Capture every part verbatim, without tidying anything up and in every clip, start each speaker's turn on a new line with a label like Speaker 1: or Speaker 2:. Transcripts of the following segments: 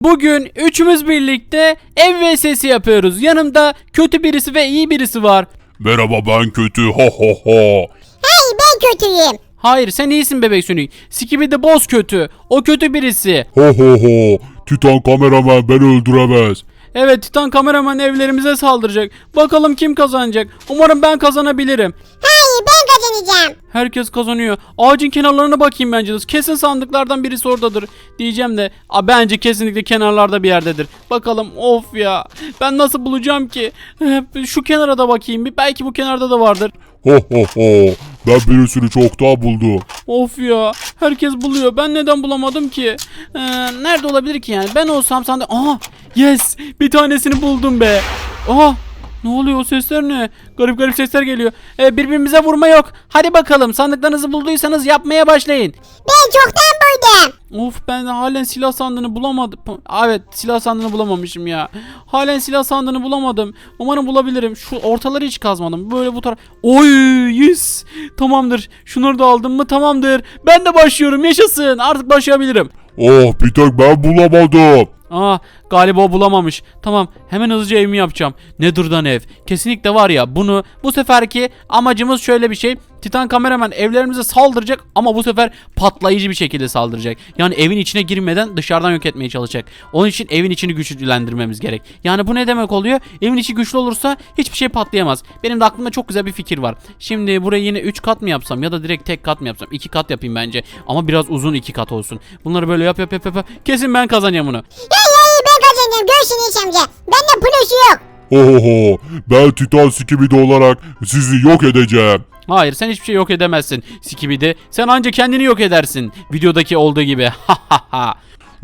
Speaker 1: Bugün üçümüz birlikte ev vs yapıyoruz. Yanımda kötü birisi ve iyi birisi var.
Speaker 2: Merhaba, ben kötü, ha ha ha.
Speaker 3: Hayır, ben kötüyüm.
Speaker 1: Hayır, sen iyisin bebek Sonic. Skibidi Boss kötü. O kötü birisi.
Speaker 2: Ha ha ha. Titan kameraman beni öldüremez.
Speaker 1: Evet, Titan kameraman evlerimize saldıracak. Bakalım kim kazanacak. Umarım ben kazanabilirim.
Speaker 3: Hayır, ben kazanacağım.
Speaker 1: Herkes kazanıyor. Ağacın kenarlarına bakayım bence. Kesin sandıklardan birisi oradadır diyeceğim de. A, bence kesinlikle kenarlarda bir yerdedir. Bakalım, of ya. Ben nasıl bulacağım ki? Şu kenara da bakayım bir. Belki bu kenarda da vardır.
Speaker 2: Ha ha ha. Ben birisini çoktan buldum.
Speaker 1: Of ya. Herkes buluyor. Ben neden bulamadım ki? Ee, nerede olabilir ki yani? Ben olsam sandık... Aha! Yes! Bir tanesini buldum be. Aha! Ne oluyor, o sesler ne? Garip garip sesler geliyor. Ee, birbirimize vurma yok. Hadi bakalım, sandıklarınızı bulduysanız yapmaya başlayın.
Speaker 3: Ben çoktan buldum.
Speaker 1: Of, ben de halen silah sandığını bulamadım. Evet, silah sandığını bulamamışım ya. Halen silah sandığını bulamadım. Umarım bulabilirim. Şu ortaları hiç kazmadım. Böyle bu taraf. Oy, yes. Tamamdır. Şunları da aldım mı tamamdır. Ben de başlıyorum, yaşasın. Artık başlayabilirim.
Speaker 2: Oh, bir tek ben bulamadım.
Speaker 1: Aa, galiba o bulamamış. Tamam, hemen hızlıca evimi yapacağım. Nether'dan ev. Kesinlikle var ya, bunu bu seferki amacımız şöyle bir şey. Titan kameraman evlerimize saldıracak ama bu sefer patlayıcı bir şekilde saldıracak. Yani evin içine girmeden dışarıdan yok etmeye çalışacak. Onun için evin içini güçlendirmemiz gerek. Yani bu ne demek oluyor? Evin içi güçlü olursa hiçbir şey patlayamaz. Benim de aklımda çok güzel bir fikir var. Şimdi buraya yine üç kat mı yapsam ya da direkt tek kat mı yapsam? iki kat yapayım bence. Ama biraz uzun iki kat olsun. Bunları böyle yap yap yap yap. Kesin ben kazanacağım bunu.
Speaker 3: Hayır hayır, ben kazanacağım. Görsün Enes amca. Bende plus yok.
Speaker 2: Ha ha ha. Ben Titan Skibidi olarak sizi yok edeceğim.
Speaker 1: Hayır, sen hiçbir şey yok edemezsin Skibidi. Sen anca kendini yok edersin. Videodaki olduğu gibi. Ha ha ha.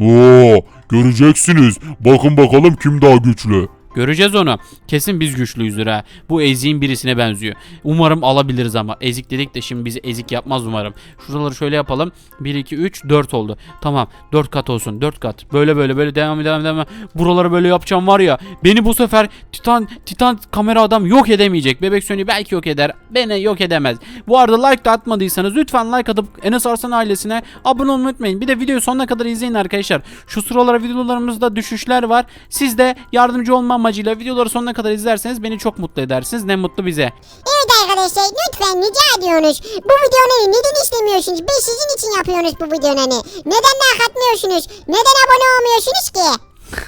Speaker 2: Oo, göreceksiniz. Bakın bakalım kim daha güçlü.
Speaker 1: Göreceğiz onu. Kesin biz güçlüyüzdür ha. Bu eziğin birisine benziyor. Umarım alabiliriz ama. Ezik dedik de şimdi bizi ezik yapmaz umarım. Şuraları şöyle yapalım. bir, iki, üç, dört oldu. Tamam. dört kat olsun. dört kat. Böyle böyle böyle devam devam devam. Buraları böyle yapacağım var ya. Beni bu sefer Titan Titan kamera adam yok edemeyecek. Bebek Sony belki yok eder. Beni yok edemez. Bu arada like da atmadıysanız lütfen like atıp Enes Arslan ailesine abone olmayı unutmayın. Bir de videoyu sonuna kadar izleyin arkadaşlar. Şu sıralara videolarımızda düşüşler var. Siz de yardımcı olma amacıyla videoları sonuna kadar izlerseniz beni çok mutlu edersiniz. Ne mutlu bize.
Speaker 3: Evet arkadaşlar, lütfen rica ediyorsunuz. Bu videonun neden istemiyorsunuz? Biz sizin için yapıyoruz bu videonun. Neden like atmıyorsunuz? Neden abone olmuyorsunuz ki?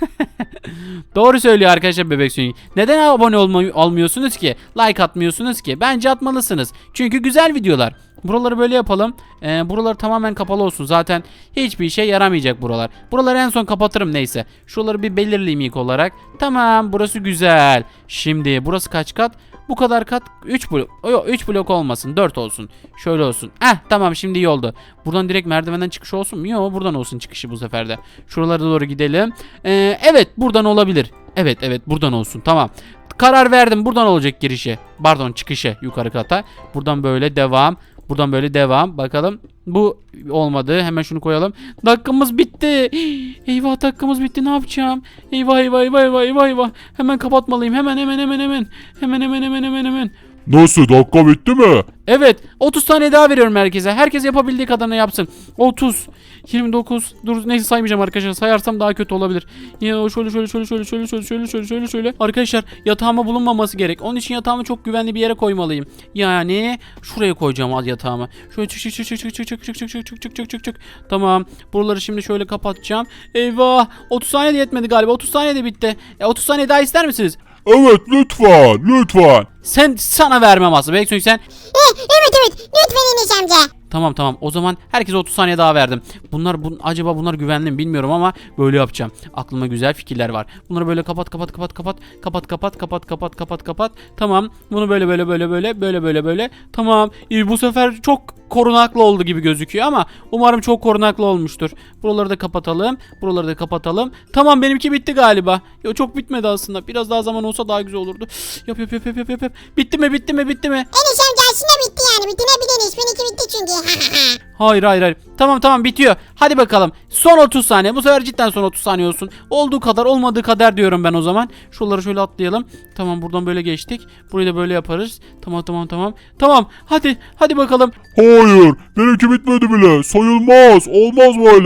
Speaker 1: Doğru söylüyor arkadaşlar bebek Sonic. Neden abone olmayı almıyorsunuz ki? Like atmıyorsunuz ki? Bence atmalısınız. Çünkü güzel videolar. Buraları böyle yapalım. Ee, buralar tamamen kapalı olsun. Zaten hiçbir işe yaramayacak buralar. Buraları en son kapatırım neyse. Şuraları bir belirleyeyim ilk olarak. Tamam, burası güzel. Şimdi burası kaç kat? Bu kadar kat üç blok. Yok, üç blok olmasın, dört olsun. Şöyle olsun. Eh, tamam, şimdi iyi oldu. Buradan direkt merdivenden çıkış olsun mu? Yok, buradan olsun çıkışı bu sefer de. Şuralara doğru gidelim. Ee, evet, buradan olabilir. Evet evet, buradan olsun, tamam. Karar verdim, buradan olacak girişi. Pardon, çıkışı yukarı kata. Buradan böyle devam. Buradan böyle devam. Bakalım. Bu olmadı. Hemen şunu koyalım. Dakikamız bitti. Eyvah, dakikamız bitti. Ne yapacağım? Eyvah eyvah eyvah eyvah eyvah eyvah. Hemen kapatmalıyım. Hemen hemen hemen hemen. Hemen hemen hemen hemen hemen.
Speaker 2: Nasıl, dakika bitti mi?
Speaker 1: Evet, otuz tane daha veriyorum herkese. Herkes yapabildiği kadarını yapsın. otuz, yirmi dokuz. Dur, neyse saymayacağım arkadaşlar. Sayarsam daha kötü olabilir. Ya şöyle şöyle şöyle şöyle şöyle şöyle şöyle şöyle şöyle şöyle. Arkadaşlar, yatağıma bulunmaması gerek. Onun için yatağımı çok güvenli bir yere koymalıyım. Yani şuraya koyacağım al yatağımı. Şöyle çık çık çık çık çık çık çık çık çık çık çık çık çık çık çık. Tamam. Buraları şimdi şöyle kapatacağım. Eyvah. otuz saniye de yetmedi galiba. otuz saniye de bitti. E, otuz saniye daha ister misiniz?
Speaker 2: Evet, lütfen lütfen.
Speaker 1: Sen sana vermem aslında. Belki sen.
Speaker 3: Eh, evet evet, lütfen Enes amca.
Speaker 1: Tamam tamam, o zaman herkese otuz saniye daha verdim. Bunlar bu, acaba bunlar güvenli mi bilmiyorum ama böyle yapacağım. Aklıma güzel fikirler var. Bunları böyle kapat kapat kapat kapat kapat kapat kapat kapat kapat kapat. Tamam, bunu böyle böyle böyle böyle böyle böyle böyle. Tamam, ee, bu sefer çok korunaklı oldu gibi gözüküyor ama umarım çok korunaklı olmuştur. Buraları da kapatalım. Buraları da kapatalım. Tamam, benimki bitti galiba. Yo, çok bitmedi aslında. Biraz daha zaman olsa daha güzel olurdu. Yap yap yap yap yap yap. Bitti mi bitti mi bitti mi?
Speaker 3: Enes amca aslında bitti yani. Bitirebiliriz. Benimki bitti çünkü.
Speaker 1: Hayır hayır hayır. Tamam tamam, bitiyor. Hadi bakalım. Son otuz saniye. Bu sefer cidden son otuz saniye olsun. Olduğu kadar olmadığı kadar diyorum ben o zaman. Şuraları şöyle atlayalım. Tamam, buradan böyle geçtik. Burayı da böyle yaparız. Tamam tamam tamam. Tamam, hadi hadi bakalım.
Speaker 2: Hayır, benimki bitmedi bile. Sayılmaz, olmaz böyle.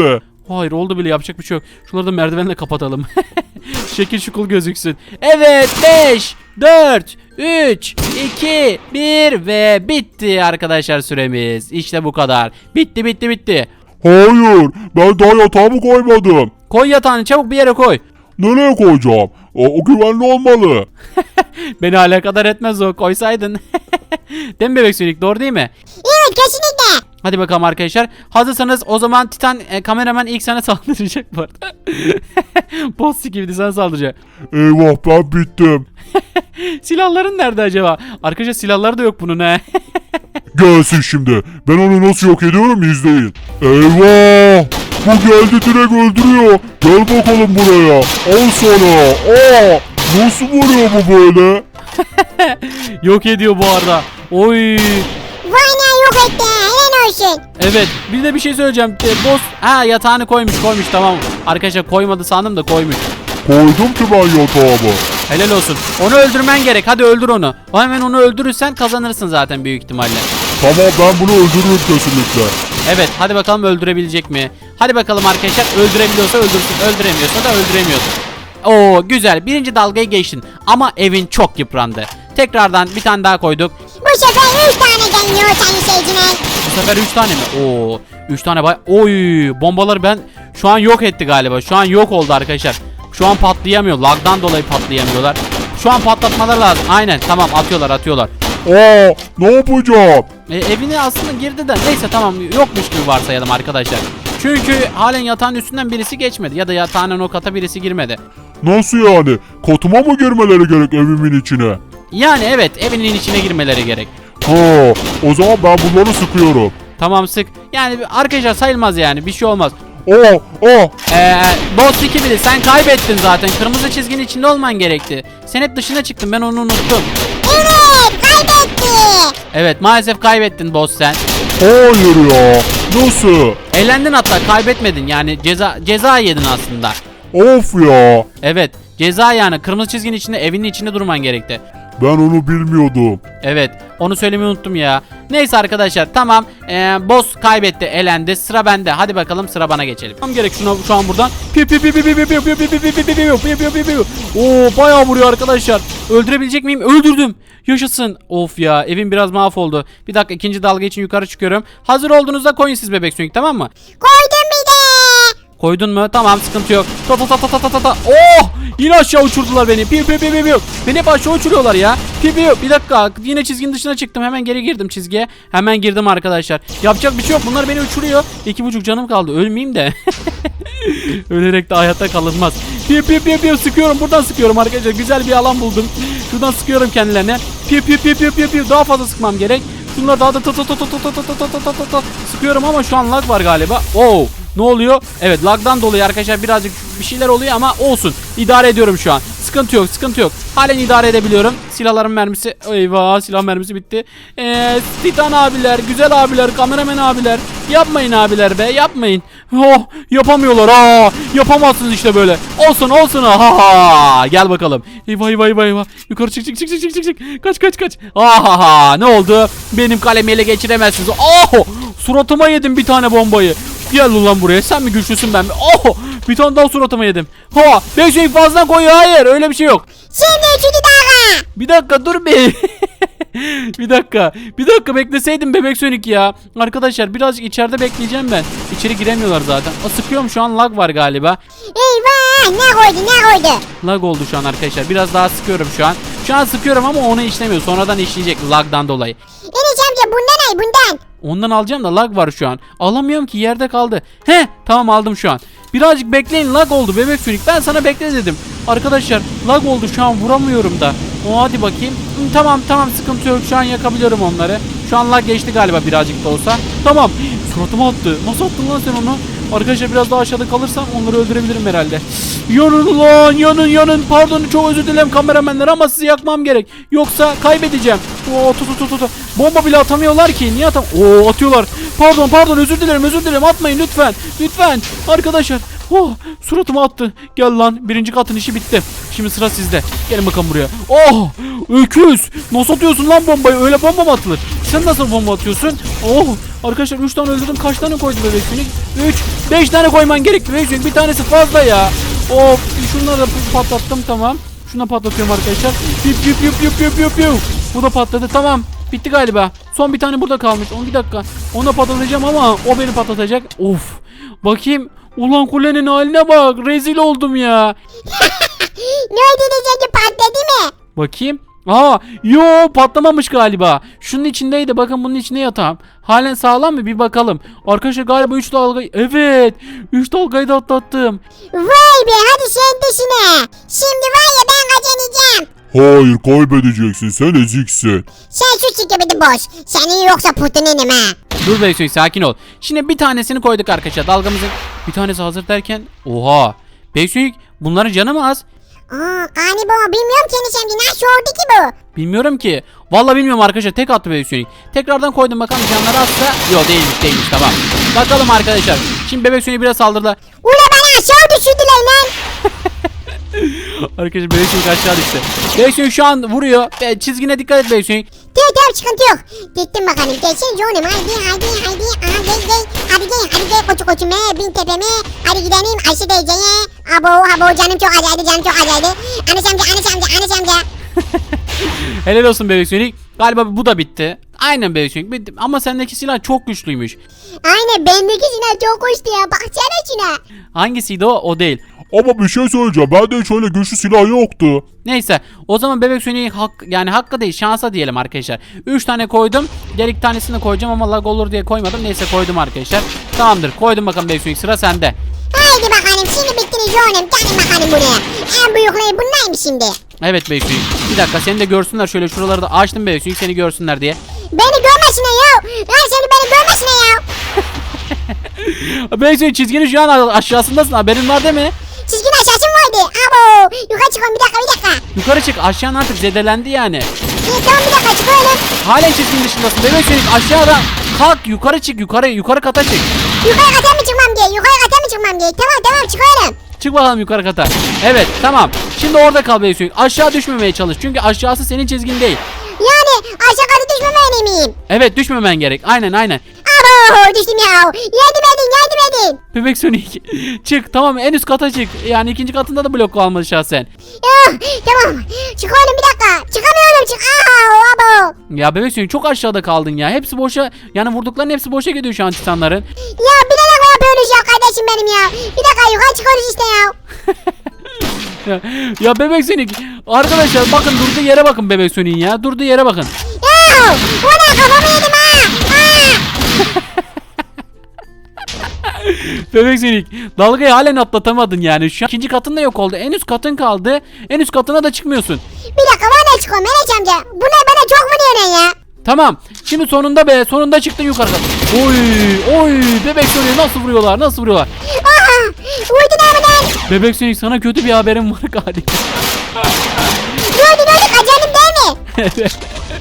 Speaker 1: Hayır oldu bile, yapacak bir şey yok. Şunları da merdivenle kapatalım. Şekil şukul gözüksün. Evet beş, dört, üç, iki, bir ve bitti arkadaşlar süremiz. İşte bu kadar. Bitti bitti bitti.
Speaker 2: Hayır, ben daha yatağımı koymadım.
Speaker 1: Koy yatağını çabuk bir yere koy.
Speaker 2: Nereye koyacağım? O, o güvenli olmalı.
Speaker 1: Beni alakadar etmez o, koysaydın. Değil mi bebek sönük, doğru değil mi?
Speaker 3: Evet kesinlikle.
Speaker 1: Hadi bakalım arkadaşlar. Hazırsanız o zaman Titan e, kameraman ilk sana saldıracak bu arada. Boss gibi sana saldıracak.
Speaker 2: Eyvah, ben bittim.
Speaker 1: Silahların nerede acaba? Arkadaşlar silahları da yok bunun he.
Speaker 2: Gelsin şimdi. Ben onu nasıl yok ediyorum, izleyin. Eyvah! Bu geldi, direkt öldürüyor. Gel bakalım buraya. Al sana. Aa! Nasıl vuruyor bu böyle?
Speaker 1: Yok ediyor bu arada. Oy.
Speaker 3: Vay ne yok etti. Helal olsun.
Speaker 1: Evet, bir de bir şey söyleyeceğim. E, boss ha yatağını koymuş koymuş tamam. Arkadaşlar koymadı sandım da koymuş.
Speaker 2: Koydum ki ben yatağımı.
Speaker 1: Helal olsun. Onu öldürmen gerek. Hadi öldür onu. O hemen onu öldürürsen kazanırsın zaten büyük ihtimalle.
Speaker 2: Tamam, ben bunu öldürürüm kesinlikle.
Speaker 1: Evet, hadi bakalım öldürebilecek mi? Hadi bakalım arkadaşlar, öldürebiliyorsa öldürsün, öldüremiyorsa da öldüremiyorsun. Oo güzel, birinci dalgayı geçtin ama evin çok yıprandı. Tekrardan bir tane daha koyduk.
Speaker 3: Bu sefer üç tane geliyor senin seyircine.
Speaker 1: Bu sefer üç tane mi? Oo üç tane bay. Oy bombaları ben şu an yok etti galiba. Şu an yok oldu arkadaşlar. Şu an patlayamıyor. Lagdan dolayı patlayamıyorlar. Şu an patlatmaları lazım. Aynen tamam, atıyorlar atıyorlar.
Speaker 2: Aa, ne yapacağım?
Speaker 1: E, evine aslında girdi de neyse tamam, yokmuş gibi varsayalım arkadaşlar. Çünkü halen yatağın üstünden birisi geçmedi ya da yatağının o kata birisi girmedi.
Speaker 2: Nasıl yani? Katıma mı girmeleri gerek evimin içine?
Speaker 1: Yani evet, evinin içine girmeleri gerek.
Speaker 2: Ha, o zaman ben bunları sıkıyorum.
Speaker 1: Tamam sık. Yani arkadaşlar sayılmaz yani, bir şey olmaz.
Speaker 2: Aa, aa.
Speaker 1: Ee, boss iki bile sen kaybettin zaten. Kırmızı çizginin içinde olman gerekti. Sen hep dışına çıktın, ben onu unuttum.
Speaker 3: Evet kaybetti.
Speaker 1: Evet maalesef kaybettin boss sen.
Speaker 2: Hayır ya. Nasıl?
Speaker 1: Eğlendin hatta, kaybetmedin yani, ceza ceza yedin aslında.
Speaker 2: Of ya.
Speaker 1: Evet ceza, yani kırmızı çizginin içinde, evinin içinde durman gerekti.
Speaker 2: Ben onu bilmiyordum.
Speaker 1: Evet onu söylemeyi unuttum ya. Neyse arkadaşlar tamam, ee, boss kaybetti, elendi, sıra bende. Hadi bakalım sıra bana geçelim. Tam gerek şuna şu an buradan. Piu piu piu piu piu piu piu piu piu piu piu piu piu piu piu piu. Oo bayağı vuruyor arkadaşlar. Öldürebilecek miyim? Öldürdüm. Yaşasın. Of ya, evim biraz mahvoldu. Bir dakika, ikinci dalga için yukarı çıkıyorum. Hazır olduğunuzda koyun siz bebek sönük, tamam mı?
Speaker 3: Koydum bir de.
Speaker 1: Koydun mu? Tamam sıkıntı yok. Ta ta ta ta ta ta ta ta. Oh! Yine aşağı uçurdular beni. Piu piu piu piu piu. Beni hep aşağı uçuruyorlar ya. Piu piu. Bir dakika. Yine çizginin dışına çıktım. Hemen geri girdim çizgiye. Hemen girdim arkadaşlar. Yapacak bir şey yok. Bunlar beni uçuruyor. İki buçuk canım kaldı. Ölmeyeyim de. Ölerek de hayatta kalınmaz. Piu piu piu piu. Sıkıyorum. Buradan sıkıyorum arkadaşlar. Güzel bir alan buldum. Şuradan sıkıyorum kendilerine. Piu piu piu piu piu piu. Daha fazla sıkmam gerek. Şunları daha da ta ta ta ta ta ta ta ta ta ta ta sıkıyorum ama şu an lag var galiba. Oo. Ne oluyor? Evet lagdan dolayı arkadaşlar birazcık bir şeyler oluyor ama olsun. İdare ediyorum şu an. Sıkıntı yok, sıkıntı yok. Halen idare edebiliyorum. Silahların mermisi, eyvah, silah mermisi bitti. Eee Titan abiler, güzel abiler, kameraman abiler. Yapmayın abiler be, yapmayın. Oh, yapamıyorlar. Aa, yapamazsınız işte böyle. Olsun, olsun. Ha ha. Gel bakalım. Eyvah, eyvah, eyvah, eyvah. Yukarı çık, çık, çık, çık, çık, çık, çık. Kaç, kaç, kaç. Ha ha. Ne oldu? Benim kalemi ele geçiremezsiniz. Oh! Suratıma yedim bir tane bombayı. Gel ulan buraya. Sen mi güçlüsün, ben mi? Oh! Bir tane daha suratıma yedim. Ha! beş şey fazla koyuyor. Hayır, öyle bir şey yok.
Speaker 3: Şimdi üçüncü dalga.
Speaker 1: Bir dakika dur bir. bir dakika. Bir dakika bekleseydim bebek sönük ya. Arkadaşlar birazcık içeride bekleyeceğim ben. İçeri giremiyorlar zaten. O sıkıyorum şu an, lag var galiba.
Speaker 3: Eyvah ne koydu ne koydu.
Speaker 1: Lag oldu şu an arkadaşlar. Biraz daha sıkıyorum şu an. Şu an sıkıyorum ama onu işlemiyor. Sonradan işleyecek lagdan dolayı.
Speaker 3: Enes amca bundan ay bundan.
Speaker 1: Ondan alacağım da lag var şu an. Alamıyorum ki, yerde kaldı. He tamam, aldım şu an. Birazcık bekleyin, lag oldu bebek sönük. Ben sana bekle dedim. Arkadaşlar lag oldu şu an, vuramıyorum da. O hadi bakayım. Hı, tamam tamam sıkıntı yok, şu an yakabiliyorum onları. Şu an lag geçti galiba birazcık da olsa. Tamam. Suratıma attı. Nasıl attın lan sen onu? Arkadaşlar biraz daha aşağıda kalırsam onları öldürebilirim herhalde. Yanın lan, yanın yanın. Pardon, çok özür dilerim kameramenler ama sizi yakmam gerek. Yoksa kaybedeceğim. Oo tut tut tut tut. Bomba bile atamıyorlar ki. Niye atam? Oo atıyorlar. Pardon pardon, özür dilerim özür dilerim. Atmayın lütfen. Lütfen. Arkadaşlar. Oh suratıma attı. Gel lan, birinci katın işi bitti. Şimdi sıra sizde. Gelin bakalım buraya. Oh öküz. Nasıl atıyorsun lan bombayı? Öyle bomba mı atılır? sen nasıl bomba atıyorsun? Oh arkadaşlar üç tane öldürdüm. Kaç tane koydu bebek sönük? üç beş tane koyman gerekti bebek sönük. Bir tanesi fazla ya. Of şunları da patlattım tamam. Şuna patlatıyorum arkadaşlar. Yip yip yip yip yip yip yip. Bu da patladı tamam. Bitti galiba. Son bir tane burada kalmış. On bir dakika. Onu da patlatacağım ama o beni patlatacak. Of. Bakayım. Ulan kulenin haline bak. Rezil oldum ya.
Speaker 3: Ne oldu diyecekti, patladı mı?
Speaker 1: Bakayım. Aa, yo patlamamış galiba. Şunun içindeydi. Bakın bunun içinde yatağım. Halen sağlam mı? Bir bakalım. Arkadaşlar galiba üç dalga. Evet. üç dalgayı da atlattım.
Speaker 3: Vay be, hadi sen dışına. Şimdi var ya, ben kazanacağım.
Speaker 2: Hayır kaybedeceksin, sen eziksin.
Speaker 3: Sen şu çıkıbıdı boş. Senin yoksa putunenim ha.
Speaker 1: Dur Beysoy sakin ol. Şimdi bir tanesini koyduk arkadaşlar. Dalgamızın bir tanesi hazır derken. Oha. Beysoy bunların canı mı az?
Speaker 3: Aa, galiba bilmiyorum ki enişemci, nasıl oldu ki bu?
Speaker 1: Bilmiyorum ki. Vallahi bilmiyorum arkadaşlar. Tek attı Bebek Tekrardan koydum bakalım canları azsa. Yok değilmiş değilmiş tamam. Bakalım arkadaşlar. Şimdi Bebek Sonic biraz saldırdı.
Speaker 3: Ula bana aşağı düşürdüler lan.
Speaker 1: Arkadaşlar Bebek Sonic aşağı düştü. Bebek Sonic şu an vuruyor. Ve çizgine dikkat et Bebek Sonic.
Speaker 3: Tamam tamam, sıkıntı yok. Gittim bakalım. Geçin canım, haydi haydi haydi. Aha gel gel. Hadi gel hadi gel koçu koçume, bin tepeme. Hadi gidelim Ayşe teyzeye. Abo abo, canım çok acaydı, canım çok acaydı. Anas amca anas amca anas amca.
Speaker 1: Helal olsun Bebek Sonic. Galiba bu da bitti. Aynen Bebek Sonic bitti. Ama sendeki silah çok güçlüymüş.
Speaker 3: Aynen, bendeki silah çok hoştu ya. Baksana şuna.
Speaker 1: Hangisiydi o? O değil.
Speaker 2: Ama bir şey söyleyeceğim, bende hiç öyle güçlü silah yoktu.
Speaker 1: Neyse o zaman Bebek Sonic'in hak, yani hakkı değil şansa diyelim arkadaşlar. üç tane koydum. Diğer iki tanesini de koyacağım ama lag olur diye koymadım. Neyse koydum arkadaşlar. Tamamdır koydum bakalım Bebek Sonic, sıra sende.
Speaker 3: Haydi bakalım, şimdi bittiniz canım. Gelin bakalım buraya. En büyükleri bunlar mı şimdi?
Speaker 1: Evet Bebek Sonic. Bir dakika seni de görsünler, şöyle şuraları da açtım Bebek Sonic seni görsünler diye.
Speaker 3: Beni görmesine ya. Lan seni beni görmesine ya.
Speaker 1: Bebek Sonic çizginin şu an aşağısındasın, haberin var değil mi?
Speaker 3: Çizginin aşağısı mı vardı? Abo. Yukarı çıkıyorum, bir dakika bir dakika.
Speaker 1: Yukarı çık, aşağın artık zedelendi yani.
Speaker 3: İyi tamam, bir dakika çıkıyorum.
Speaker 1: Halen çizginin dışındasın Bebek Sonic, aşağıdan kalk, yukarı çık, yukarı yukarı kata çık.
Speaker 3: Yukarı kata mı çıkmam diye. Yukarı kata mı çıkmam diye. Tamam tamam, çıkıyorum.
Speaker 1: Çık bakalım yukarı kata. Evet tamam. Şimdi orada kal Bebek Sonic. Aşağı düşmemeye çalış. Çünkü aşağısı senin çizgin değil.
Speaker 3: Yani aşağı kata düşmemeli miyim?
Speaker 1: Evet düşmemen gerek. Aynen aynen.
Speaker 3: Abo, düştüm ya. Yardım edin, yardım edin.
Speaker 1: Bebek Sonic çık tamam, en üst kata çık. Yani ikinci katında da blok kalmadı şahsen.
Speaker 3: Ya, tamam. Çıkıyorum, bir dakika. Çıkamıyorum, çık. Aa, abo.
Speaker 1: Ya Bebek Sonic çok aşağıda kaldın ya. Hepsi boşa, yani vurdukların hepsi boşa gidiyor şu an titanların.
Speaker 3: Ya bilerek mi yapıyorsunuz ya kardeşim benim ya? Bir dakika, yukarı çıkıyoruz işte ya.
Speaker 1: ya, ya Bebek Sonic arkadaşlar bakın, durduğu yere bakın Bebek Sonic'in ya. Durduğu yere bakın.
Speaker 3: Ya, bu ne, kafamı yedim ha. Aa.
Speaker 1: Bebek Sonic dalgayı halen atlatamadın yani. Şu an ikinci katın da yok oldu. En üst katın kaldı. En üst katına da çıkmıyorsun.
Speaker 3: Bir dakika, bana çıkıyorum Meleç amca. Bu ne, bana çok vuruyor ya.
Speaker 1: Tamam. Şimdi sonunda be. Sonunda çıktın yukarı. Oy oy. Bebek Sonic nasıl vuruyorlar? Nasıl vuruyorlar?
Speaker 3: Aha, vurdun abiden.
Speaker 1: Bebek Sonic sana kötü bir haberim var galiba.
Speaker 3: Ne oldu, ne oldu, kaçanım değil mi?
Speaker 1: Evet.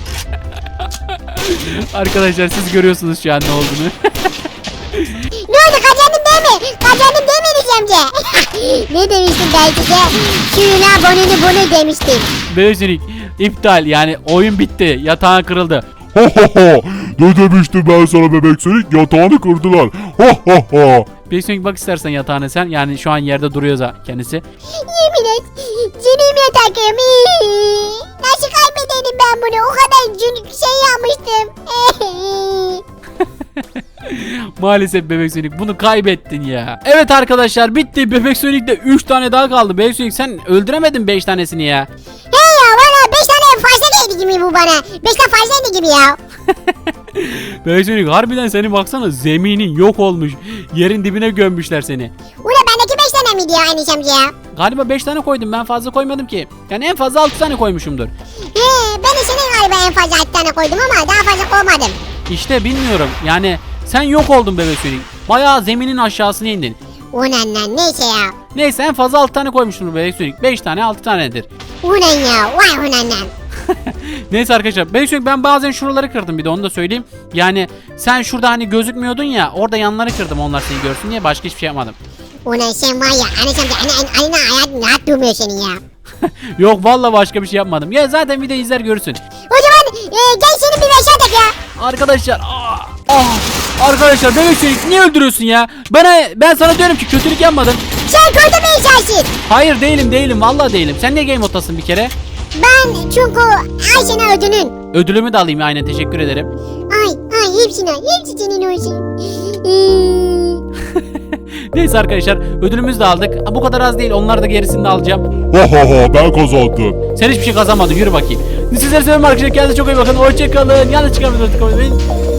Speaker 1: Arkadaşlar siz görüyorsunuz şu an ne olduğunu.
Speaker 3: Ne oldu, kaçanım değil mi? Kaçanım değil mi Meleç amca? Ne demiştim ben size? Şuna bonunu bunu demiştim.
Speaker 1: Bebek Sonic iptal, yani oyun bitti. Yatağın kırıldı.
Speaker 2: Ha ha ha. Ne demiştim ben sana Bebek Sonic, yatağını kırdılar. Ha ha ha.
Speaker 1: Bebek Sonic bak istersen yatağına sen. Yani şu an yerde duruyor za- kendisi.
Speaker 3: Yemin et, canım yatakım. Nasıl kaybedelim ben bunu? O kadar cün- şey yapmıştım.
Speaker 1: Maalesef Bebek Sonic bunu kaybettin ya. Evet arkadaşlar bitti. Bebek Sonic'te üç tane daha kaldı. Bebek Sonic sen öldüremedin beş tanesini ya.
Speaker 3: Hey ya, bana beş tane fazla geldi gibi bu bana. beş tane fazlaydı gibi ya.
Speaker 1: Bebek Sonic harbiden seni baksana, zeminin yok olmuş. Yerin dibine gömmüşler seni.
Speaker 3: Ula bendeki beş tane miydi ya Enes amca ya?
Speaker 1: Galiba beş tane koydum, ben fazla koymadım ki. Yani en fazla altı tane koymuşumdur.
Speaker 3: He, ben de senin galiba en fazla altı tane koydum ama daha fazla koymadım.
Speaker 1: İşte bilmiyorum yani sen yok oldun Bebek Sonic. Bayağı zeminin aşağısına indin.
Speaker 3: Ulan lan, neyse ya.
Speaker 1: Neyse en fazla altı tane koymuşumdur Bebek Sonic. beş tane altı tanedir.
Speaker 3: Ulan ya, vay ulan lan.
Speaker 1: Neyse arkadaşlar Bebek Sonic ben bazen şuraları kırdım, bir de onu da söyleyeyim. Yani sen şurada hani gözükmüyordun ya, orada yanları kırdım onlar seni görsün diye, başka hiçbir şey yapmadım.
Speaker 3: Ulan sen var ya Enes amca, anne anne hayatın rahat durmuyor senin ya.
Speaker 1: Yok vallahi başka bir şey yapmadım. Ya zaten video izler görürsün.
Speaker 3: O zaman e, gel seni bir veşat et ya.
Speaker 1: Arkadaşlar. Aa, ah. Arkadaşlar bebek Sonic niye öldürüyorsun ya? Bana ben sana diyorum ki kötülük yapmadım.
Speaker 3: Sen kurtulmayacaksın.
Speaker 1: Hayır değilim değilim vallahi değilim. Sen niye game moddasın bir kere?
Speaker 3: Ben çünkü Ayşe'nin ödünün.
Speaker 1: Ödülümü de alayım aynen teşekkür ederim.
Speaker 3: Ay ay hepsine hepsi senin olsun. Hmm.
Speaker 1: Neyse arkadaşlar ödülümüzü de aldık. Ha, bu kadar az değil onlar da gerisini de alacağım.
Speaker 2: Ha ha ha ben kazandım.
Speaker 1: Sen hiçbir şey kazanmadın yürü bakayım. Sizleri seviyorum arkadaşlar kendinize çok iyi bakın. Hoşçakalın. Yanlış çıkarmayın.